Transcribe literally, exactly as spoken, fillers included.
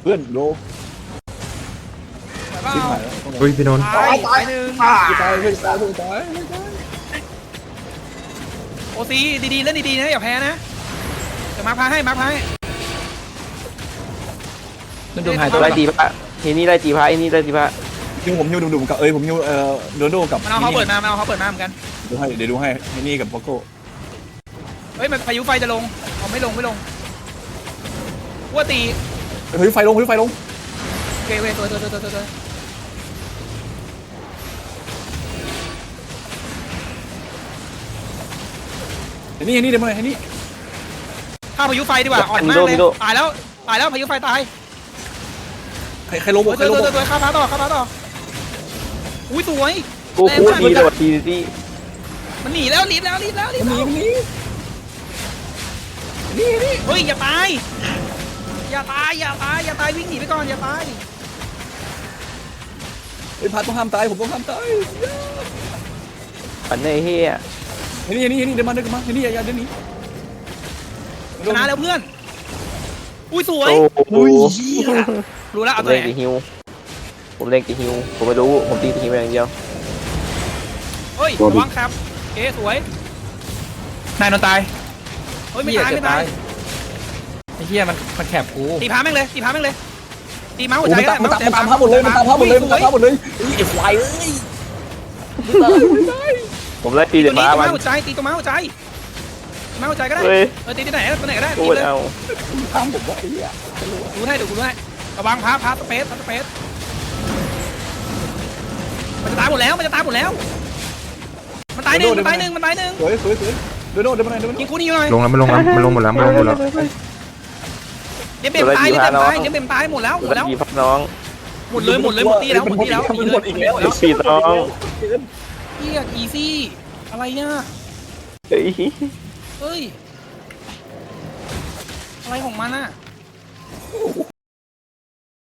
พื่อนโดเปล่าชิบหายแล้วอุ้ยพี่นนท์ตายตายหนึ่งตายตายเพื่อนตายเพื่อนตายโอซีดีๆเล่นดีๆนะอย่าแพ้นะเดี๋ยวมาพาให้มาพาให้นั่นโดนหายตัวไล่ตีพระเฮนี่ไล่ตีพระไอ้นี่ไล่ตีพระฮิวผมฮิวดุ่มๆกับเอ้ยผมฮิวเอ่อโดโดกับมันเอาเขาเปิดมามันเอาเขาเปิดมาเหมือนกันดูให้เดี๋ยวดูให้ไอ้นี่กับพ็อกโก้เฮ้ยมันพายุไฟจะลงเอาไม่ลงไม่ลงวัวตีเฮ้ยไฟลงเฮ้ยไฟลงโอเคโอเคตัวตัวตัวตัวตัวไอ้นี่ไอ้นี่เดี๋ยวมาไอ้นี่ฆ่าพายุไฟดีกว่าอ่อนมากเลยตายแล้วตายแล้วพายุไฟตายใครใครลงบตัวกใครตัวลงบตัวกตัวฆ่าพาต่อฆ่าพาต่ออุ้ยสวยกูกูทีโดดทีทีมันหนีแล้วรีบแล้วรีบแล้วรีบมันหแล้นีวมันหนีนี่นี่เฮ้ยอย่าตายอย่าตายอย่าตายอย่าตายวิ่งหนีไปก่อนอย่าตายไอ้พัดต้องห้ามตายผมต้องห้ามตายปันในเฮียไอ้นี่ไอ้นี่ไอ้นี่เดี๋ยวมาเดี๋ยวมาไอ้นี่อย่าอย่าเดี๋ยวนี้ชนะแล้วเพื่อนอุ้ยสวยโอ้โหรู้แล้วผเอามตัวเล่นไหนตีฮิวผมเล่นตีฮิวผมไม่รู้ผมตีตีฮิวอย่างเดียวเฮ้ยระวังครับเอ๊สวยนายนอนตายเฮ้ยไม่ตายไม่ตายไอ้เหี้ยมันมันแคบกูตีพาแม่งเลยตีพาแม่งเลยตีเมาส์หัวโอ้ใจมันก็ตามได้มันตามมันตามภาพหมดเลยมันตามภาพหมดเลยมันตามภาพหมดเลยไอ้ควายเอ้ยผมไล่ตีตีเด็ตัวดนี้ฟ้าตัวมัเมาน ส์หัวใจตีตัวเมาส์หัวใจเมาส์หัวใจก็ได้เฮ้ยเออตีที่ไหนตัวไหนก็ได้กูตีเลยเอาทำผมว่าไอ้เนี่ยดูให้ดูดูให้ระวังพาพาสเปซพาสเปซมันจะตายหมดแล้วมันจะตายหมดแล้วมันตายหนึ่งมันตายหนึ่งมันตายหนึ่งสวยสวยสวยเดี๋ยวโดนเดี๋ยวมาไหนเดี๋ยวมายิงคู่นี้หน่อยลงแล้วมันลงแล้วมันลงหมดแล้วมันลงหมดแล้วเดี๋ยวเบมตายเดี๋ยวเบมตายเดี๋ยวเบมตายหมดแล้วหมดไล่แล้วตีพักน้องหมดเลยหมดเลยหมดตีแล้วหมดตีแล้วมันหมดอีกแล้วไอ้ปีน้องเฮียอีซี่อะไรเนี่ยเฮ้ยเฮ้ยอะไรของมันอ่ะ